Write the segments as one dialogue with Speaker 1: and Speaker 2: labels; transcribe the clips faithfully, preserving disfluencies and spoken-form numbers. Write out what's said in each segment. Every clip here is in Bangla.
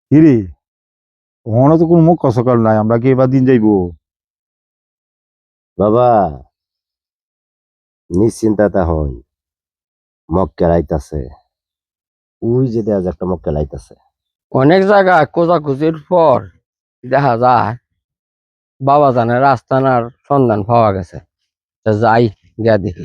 Speaker 1: কিরে, ওখানে তো কোনো মুখ সকাল নাই, আমরা কি এবার দিন যাইবো?
Speaker 2: বাবা নিশ্চিন্তাতা হই, মক্কেল আইতাছে। ওই যে দেখা যায় একটা মক্কেল আইতাছে।
Speaker 3: অনেক জায়গায় খোঁজাখুঁজির পর দেখা যায় বাবা জানের আস্তানার সন্ধান পাওয়া গেছে। তা যাই গিয়া দেখি।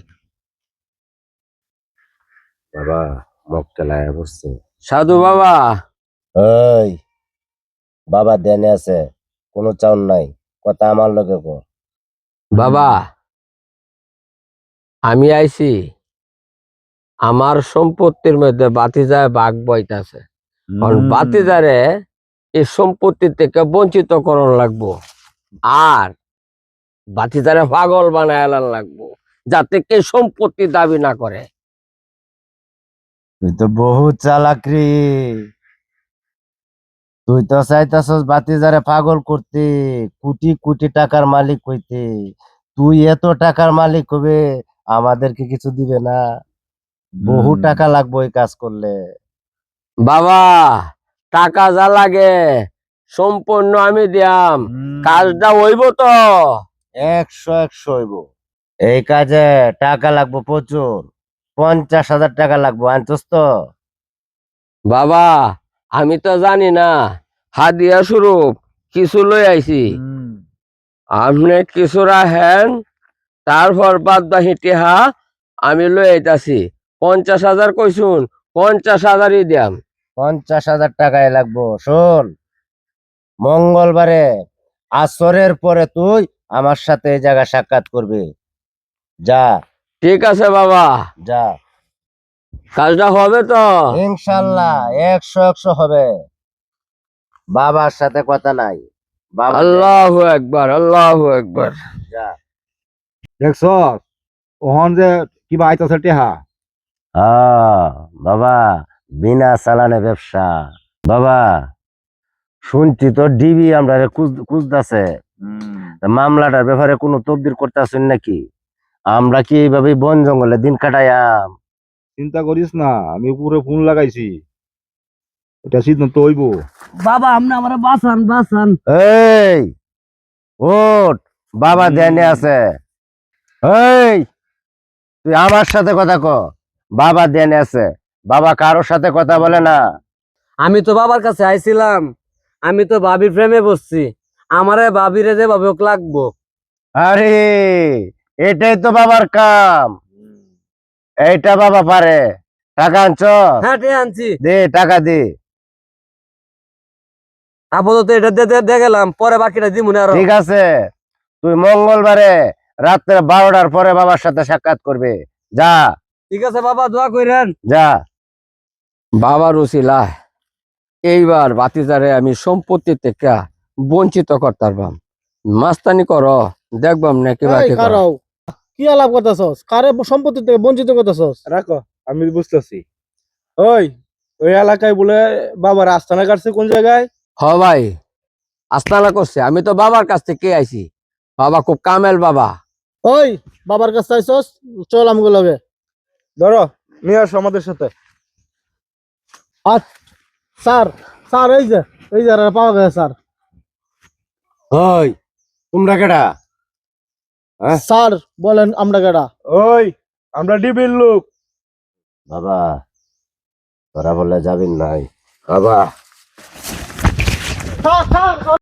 Speaker 2: বাবা মক্কেল আয়া বসছে।
Speaker 3: সাধু বাবা।
Speaker 2: ওই বাবা দেনে আছে, কোনো চাউন নাই, কথা আমার লগে কো।
Speaker 3: বাবা আমি আইছি, আমার সম্পত্তির মধ্যে বাতিজায় বাঘ বইতাছে। কারণ
Speaker 1: হুম।
Speaker 3: বাতিজারে এই সম্পত্তি থেকে বঞ্চিত করণ লাগবো, আর বাতিজারে পাগল বানায় এলান লাগবো, যাতে কে সম্পত্তি দাবি না করে।
Speaker 2: তুই তো বহুত চালাক রে। তুই তো চাইতাছস বাতিজারে পাগল করতে, কোটি কোটি টাকার মালিক হইতে। তুই এত টাকার মালিক হবে, আমাদেরকে কিছু দিবে না। বহু
Speaker 1: হুম।
Speaker 2: টাকা লাগবে এই কাজ করলে।
Speaker 3: বাবা টাকা যা লাগে সম্পূর্ণ আমি দিয়াম,
Speaker 1: হুম।
Speaker 3: কাজটা হইব তো?
Speaker 2: একশো একশো হইব। এই কাজে টাকা লাগবে প্রচুর, পঞ্চাশ হাজার টাকা লাগবে, আনছস তো?
Speaker 3: বাবা আমি তো জানি না, হাদিয়া স্বরূপ কিছু লই আইছি,
Speaker 1: হুম।
Speaker 3: আপনি কিছু রাখেন, তারপর বাদ বাকি টিহা আমি লই আইতাছি। পঞ্চাশ হাজার কইছুন, পঞ্চাশ হাজারই দিয়াম।
Speaker 2: পঞ্চাশ হাজার টাকায় লাগবো। শোন, মঙ্গলবারে আসরের পরে তুই আমার সাথে এই জায়গা সাক্ষাৎ করবি। যা
Speaker 3: ঠিক আছে বাবা,
Speaker 2: যা।
Speaker 3: কাজটা হবে তো?
Speaker 2: ইনশাল্লাহ একশো একশো হবে। বাবার সাথে কথা নাই, বাবা
Speaker 3: আল্লাহু একবার, আল্লাহু একবার।
Speaker 2: যা।
Speaker 1: দেখছ ওহন যে কিবা আইতাছে টেহা।
Speaker 2: হ্যাঁ বাবা, বিনা চালানে ব্যবসা। বাবা শুনছি তো ডিবি আমরা খুঁজতেছে, মামলাটার ব্যাপারে কোনো তদবির করতেছেন নাকি? আমরা কি এইভাবে বন জঙ্গলে দিন কাটাইয়াম?
Speaker 1: চিন্তা করিস না, আমি পুরো ফোন লাগাইছি, এটা সিদ্ধান্ত হইব।
Speaker 3: বাবা আপনি আমার বাঁচান, বাঁচান।
Speaker 2: এই ওঠ, বাবা ধ্যানে আছে। এই তুই আমার সাথে কথা ক, বাবা ধ্যানে আছে। বাবা কারোর সাথে কথা বলে না।
Speaker 3: আমি তো বাবার কাছে আইছিলাম, আমি তো ভাবির প্রেমে বসছি, আমারে ভাবিরে যে ভাবে ওকে লাগবো।
Speaker 2: আরে এটাই তো বাবার কাম, এইটা বাবা পারে। টাকা আনছ?
Speaker 3: হ্যাঁ ঠিক আনছি,
Speaker 2: দে টাকা দে।
Speaker 3: আপাতত এটা দিয়ে গেলাম, পরে বাকিটা দিমুনে আরো।
Speaker 2: ঠিক আছে, তুই মঙ্গলবারে রাত্রে বারোটার পরে বাবার সাথে সাক্ষাৎ করবে। যা
Speaker 3: ঠিক আছে বাবা, দোয়া কইরেন।
Speaker 2: যা।
Speaker 3: বাবার উসিলা এইবার বাতিজারে আমি সম্পত্তি থেকে বঞ্চিত করতে পারবাম। মাস্তানি করো, দেখবাম না কি বাকি করো।
Speaker 4: কি আলাপ করতেছস? কারে সম্পত্তি থেকে বঞ্চিত করতেছস?
Speaker 1: রাখো, আমি বুঝতেছি। ওই ওই এলাকায় বলে বাবার আস্তানা কাটছে কোন জায়গায়?
Speaker 3: হ ভাই, আস্তানা করছে, আমি তো বাবার কাছ থেকে আইছি, বাবা খুব কামেল বাবা।
Speaker 4: ওই বাবার কাছে আইছস, চল আমগো লগে।
Speaker 1: ধরো নিয়ে আসো আমাদের সাথে।
Speaker 4: আচ্ছা স্যার, স্যার এই যে এই যে আর পাওয়া গেছে স্যার।
Speaker 2: ওই তোমরা কেডা? হ্যাঁ?
Speaker 4: স্যার বলেন আমরা কেডা?
Speaker 1: ওই আমরা ডিবির লোক।
Speaker 2: বাবা তোরা বলে যাবি নাই? বাবা
Speaker 4: স্যার স্যার